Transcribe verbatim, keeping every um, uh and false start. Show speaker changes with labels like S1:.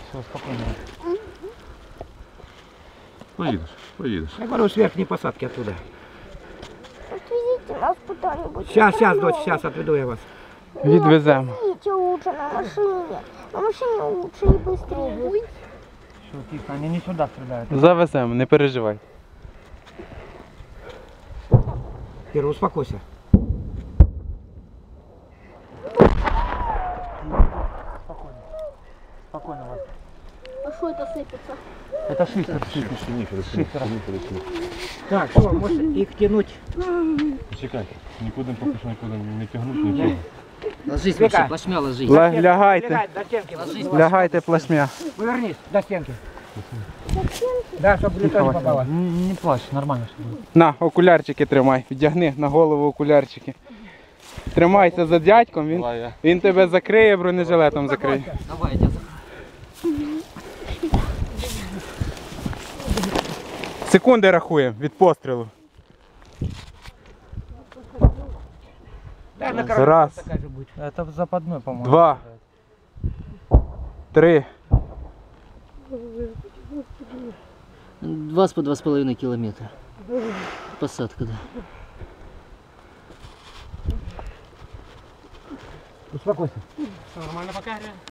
S1: Все, спокойно.
S2: Поїдеш, поїдеш.
S1: Я говорю, с верхней посадки оттуда.
S3: Отвезите нас куда-нибудь.
S1: Сейчас, сейчас, дочь, сейчас отведу я вас.
S4: Відвеземо.
S3: Отвезите лучше на машине. На машине лучше и быстрее будет.
S1: Все, тихо, они не сюда стреляют.
S4: Завеземо, не переживай.
S1: Кира, успокойся. Спокойно. Спокойно, Вася.
S3: А что это сыпется?
S1: Это шифер.
S2: Шифер.
S1: Так, что, может их тянуть?
S2: Чекай, нікуди поки що нікуди не тягнути, нічого.
S5: Ложись,
S1: Вика.
S5: Максим, плашмя ложись.
S4: Ля- Лягайте,
S1: Лягай, до стенки.
S4: лягайте плашмя.
S1: Повернись, до стенки. Да, чтобы лицо не попало.
S5: Не, не плачь, нормально все будет.
S4: На, окулярчики тримай, вдягни на голову окулярчики. Тримайся за дядьком, він,
S2: Давай я.
S4: він тебе закриє, бронежилетом закриє.
S5: Давай, я тебя закрою.
S4: Секунди рахуємо від пострілу.
S1: Да, на коробке
S4: Раз.
S1: такая же будет.
S5: Это в западной, по-моему.
S4: Два. Три.
S5: Два с по два с половиной километра. Посадка, да.
S1: Успокойся.
S5: Нормально пока, реально?